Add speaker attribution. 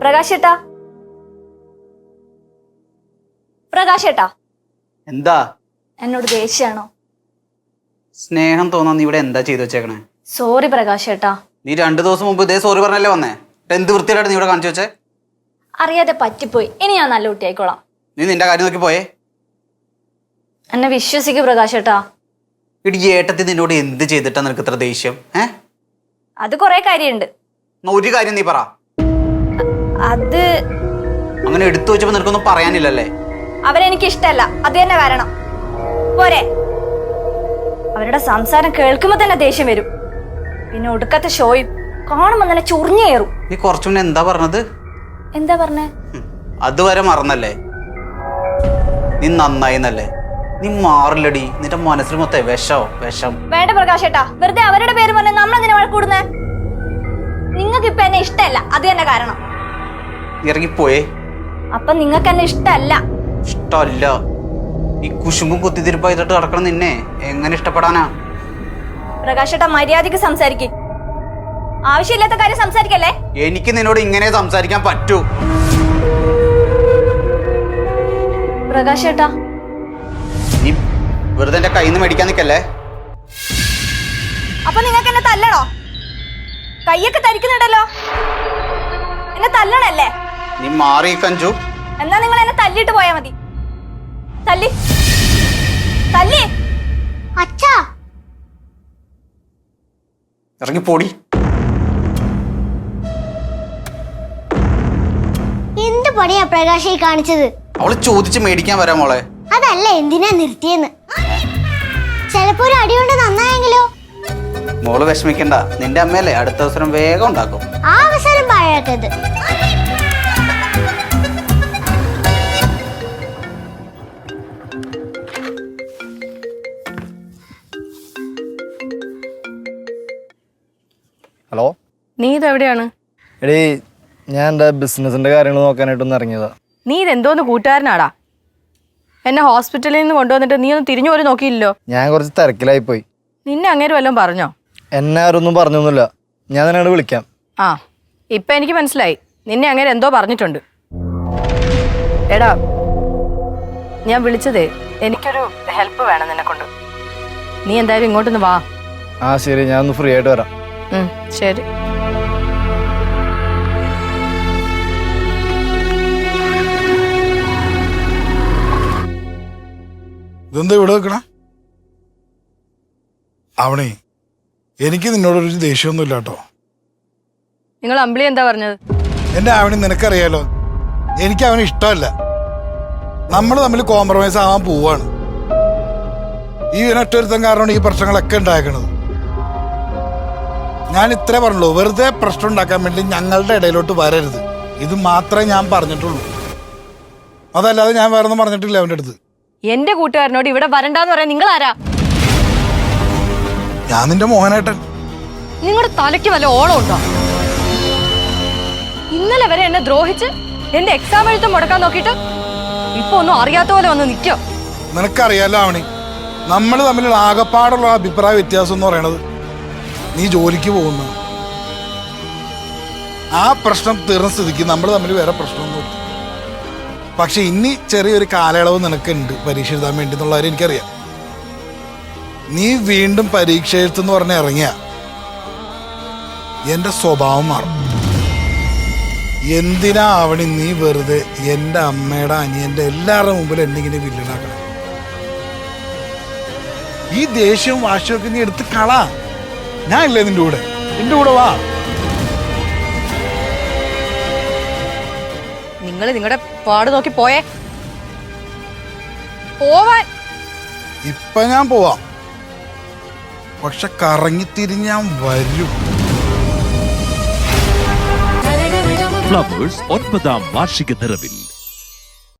Speaker 1: പ്രകാശേട്ടാ, പ്രകാശേട്ടാ,
Speaker 2: എന്താ?
Speaker 1: എന്നോട് ദേഷ്യാണോ?
Speaker 2: സ്നേഹം തോന്നാൻ നീ ഇവിടെ എന്താ ചെയ്തു വെച്ചേക്കണേ?
Speaker 1: സോറി പ്രകാശേട്ടാ.
Speaker 2: നീ 2 ദിവസം മുമ്പ് ഇതേ സോറി പറഞ്ഞല്ലേ വന്നേ? എന്ത് വൃത്തിയായിട്ട് നീ ഇവിടെ കാണിച്ചു വെച്ചേ?
Speaker 1: അറിയാതെ പറ്റിപ്പോയി. ഇനി ഞാൻ നല്ല കുട്ടിയായിക്കോളാം.
Speaker 2: നീ നിന്റെ കാര്യം നോക്കി പോയേ.
Speaker 1: എന്നെ വിശ്വസിക്കൂ പ്രകാശേട്ടാ.
Speaker 2: ഇടി, ഏട്ടത്തി നിന്നോട് എന്ത് ചെയ്തിട്ടാ നിനക്ക് ഇത്ര ദേഷ്യം?
Speaker 1: അത് കൊറേ കാര്യമുണ്ട്.
Speaker 2: ഒരു കാര്യം നീ പറ.
Speaker 1: അത്
Speaker 2: അങ്ങനെ എടുത്തു വെച്ചപ്പോ നിനക്കൊന്നും പറയാനില്ലല്ലേ?
Speaker 1: അവരെനിക്ക് ഇഷ്ടല്ല, അത് തന്നെ കാരണം. പോരെ, അവരുടെ സംസാരം കേൾക്കുമ്പോ തന്നെ ദേഷ്യം വരും. പിന്നെ ഒടുക്കത്തെ ഷോയും കാണുമ്പോ തന്നെ ചൊറിഞ്ഞേറും.
Speaker 2: നീ കുറച്ചു മുന്നേ എന്താ പറഞ്ഞത്?
Speaker 1: എന്താ പറഞ്ഞേ?
Speaker 2: അതുവരെ മറന്നല്ലേ? നീ നന്നായിന്നല്ലേ? നീ മാറില്ലടി. നിന്റെ മനസ്സിൽ മൊത്തം വിഷം.
Speaker 1: വേണ്ട പ്രകാശേട്ടാ, വെറുതെ അവരുടെ പേര് പറഞ്ഞ നമ്മളെന്തിനാ വഴക്കൂടുന്നേ? നിങ്ങൾക്ക് ഇപ്പൊ എന്നെ ഇഷ്ടല്ല, അത് തന്നെ കാരണം.
Speaker 2: ഇറങ്ങിപ്പോയേ.
Speaker 1: അപ്പൊ നിങ്ങൾക്ക് എന്നെ ഇഷ്ടല്ല?
Speaker 2: ഇഷ്ടല്ല. ഈ കുശുമ്പും കുത്തിത്തിരിപ്പായിട്ട് നടക്കണം നിന്നെ എങ്ങനെ ഇഷ്ടപ്പെടാനാ?
Speaker 1: പ്രകാശേട്ടാ, മര്യാദക്ക് സംസാരിക്കും. ആവശ്യമില്ലാത്ത കാര്യം സംസാരിക്കല്ലേ.
Speaker 2: എനിക്ക് നിന്നോട് ഇങ്ങനെ സംസാരിക്കാൻ പറ്റൂ?
Speaker 1: പ്രകാശേട്ടാ,
Speaker 2: നീ വെറുതെ എന്റെ കയ്യിൽ നിന്ന് മേടിക്കാൻ നിക്കല്ലേ.
Speaker 1: അപ്പൊ നിങ്ങൾക്ക് എന്നെ തല്ലണോ? കയ്യൊക്കെ തരിക്കുന്നുണ്ടല്ലോ. എന്നെ തല്ലണല്ലേ?
Speaker 2: നീ മാറി കഞ്ചു.
Speaker 1: എന്നാ നിങ്ങൾ എന്നെ തല്ലിട്ട് പോയാ മതി. തല്ലി തല്ലി.
Speaker 3: അച്ഛാ,
Speaker 2: ഇറങ്ങി പോടി.
Speaker 3: എന്ത് പണിയാ പ്രകാശ് ഈ കാണിച്ചത്?
Speaker 2: അവള് ചോദിച്ച് മേടിക്കാൻ വരാം മോളെ.
Speaker 3: അതല്ല എന്തിനാ നിർത്തിയെന്ന്. ചിലപ്പോ ഒരു അടി കൊണ്ട് നന്നായെങ്കിലോ?
Speaker 2: മോള് വിഷമിക്കണ്ട, നിന്റെ അമ്മയല്ലേ അടുത്ത അവസരം വേഗം ഉണ്ടാക്കും.
Speaker 3: ആ അവസരം പാഴാക്കരുത്.
Speaker 4: ഹലോ,
Speaker 5: നീ ഇതെവിടെയാണ്?
Speaker 4: എടീ, ഞാൻ എൻ്റെ ബിസിനസിൻ്റെ കാര്യങ്ങൾ നോക്കാനായിട്ടൊന്ന് ഇറങ്ങിയതാ.
Speaker 5: നീ ഇതെന്തോന്ന് കൂട്ടുകാരനാടാ? എന്നെ ഹോസ്പിറ്റലിൽ നിന്ന് കൊണ്ടുവന്നിട്ട് നീ ഒന്ന് തിരിഞ്ഞു പോലും നോക്കിയില്ലല്ലോ.
Speaker 4: ഞാൻ കുറച്ച് തിരക്കിലായിപ്പോയി.
Speaker 5: നിന്നെ അങ്ങേര് വല്ലതും പറഞ്ഞോ?
Speaker 4: എന്നെ ആരൊന്നും പറഞ്ഞൊന്നുമില്ല. ഞാൻ നിന്നോട് വിളിക്കാം.
Speaker 5: ആ, ഇപ്പം എനിക്ക് മനസ്സിലായി. നിന്നെ അങ്ങേര് എന്തോ പറഞ്ഞിട്ടുണ്ട്. എടാ, ഞാൻ വിളിച്ചതേ എനിക്കൊരു ഹെൽപ്പ് വേണം നിന്നെ കൊണ്ട്. നീ എന്തായാലും ഇങ്ങോട്ടൊന്ന് വാ.
Speaker 4: ആ ശരി, ഞാൻ ഒന്ന് ഫ്രീ ആയിട്ട് വരാം.
Speaker 5: ശരി.
Speaker 6: ഇതെന്താ ഇവിടെ വെക്കണ? അവണേ, എനിക്ക് നിന്നോടൊരു ദേഷ്യമൊന്നുമില്ല കേട്ടോ.
Speaker 5: നിങ്ങൾ അമ്പിളി എന്താ പറഞ്ഞത്?
Speaker 6: എന്റെ ആവണി നിനക്കറിയാലോ, എനിക്ക് അവന് ഇഷ്ടമല്ല. നമ്മൾ തമ്മിൽ കോംപ്രമൈസ് ആവാൻ പോവാണ്. ഈ ഒറ്റൊരുത്തം കാരണമാണ് ഈ പ്രശ്നങ്ങളൊക്കെ ഉണ്ടാക്കണത്. ഞാൻ ഇത്രേ പറഞ്ഞുള്ളൂ, വെറുതെ പ്രശ്നം ഉണ്ടാക്കാൻ വേണ്ടി ഞങ്ങളുടെ ഇടയിലോട്ട് വരരുത്. ഇത് മാത്രമേ ഞാൻ പറഞ്ഞിട്ടുള്ളൂ. അതല്ലാതെ ഞാൻ വേറെ ഒന്നും പറഞ്ഞിട്ടില്ല അവൻ്റെ അടുത്ത്.
Speaker 5: എന്റെ കൂട്ടുകാരനോട് ഇവിടെ വരണ്ടെന്ന് പറയാൻ നിങ്ങൾ ആരാ?
Speaker 6: ഞാൻ നിന്റെ മോഹനേട്ടൻ.
Speaker 5: നിങ്ങളുടെ തലയ്ക്ക് വല്ല ഓളം ഉണ്ടോ? ഇന്നലെ വരെ എന്നെ ദ്രോഹിച്ച് എന്റെ എക്സാം എഴുത്തും മുടക്കാൻ നോക്കിയിട്ട് ഇപ്പൊ ഒന്നും അറിയാത്ത പോലെ വന്ന് നിൽക്കോ?
Speaker 6: നിനക്കറിയാലോ അവണി, നമ്മൾ തമ്മിലുള്ള ആകപ്പാടുള്ള അഭിപ്രായ വ്യത്യാസം എന്ന് പറയണത് നീ ജോലിക്ക് പോകുന്ന ആ പ്രശ്നം തീർന്ന സ്ഥിതിക്ക് നമ്മൾ തമ്മിൽ വേറെ പ്രശ്നമൊന്നുമില്ല. പക്ഷെ ഇനി ചെറിയൊരു കാലയളവ് നിനക്കുണ്ട് പരീക്ഷ എഴുതാൻ വേണ്ടി എന്നുള്ള കാര്യം എനിക്കറിയാം. നീ വീണ്ടും പരീക്ഷ എഴുത്തെന്ന് പറഞ്ഞ് ഇറങ്ങിയ എന്റെ സ്വഭാവം മാറും. എന്തിനാ അവണി നീ വെറുതെ എൻ്റെ അമ്മയുടെ അനിയൻ്റെ എല്ലാവരുടെ മുമ്പിൽ എന്നിങ്ങനെ വില്ലനാക്കണം? ഈ ദേഷ്യവും വാശിയൊക്കെ നീ എടുത്ത് കളാ. ഞാൻ ഇല്ലേ നിന്റെ കൂടെ? നിന്റെ കൂടെ വാ.
Speaker 5: നിങ്ങൾ നിങ്ങളുടെ പാട് നോക്കി പോയേ. പോവാൻ
Speaker 6: ഇപ്പൊ ഞാൻ പോവാം, പക്ഷെ കറങ്ങിത്തിരിഞ്ഞ് ഞാൻ വരും.
Speaker 7: ഫ്ലവേഴ്സ് 9ാം വാർഷിക നിറവിൽ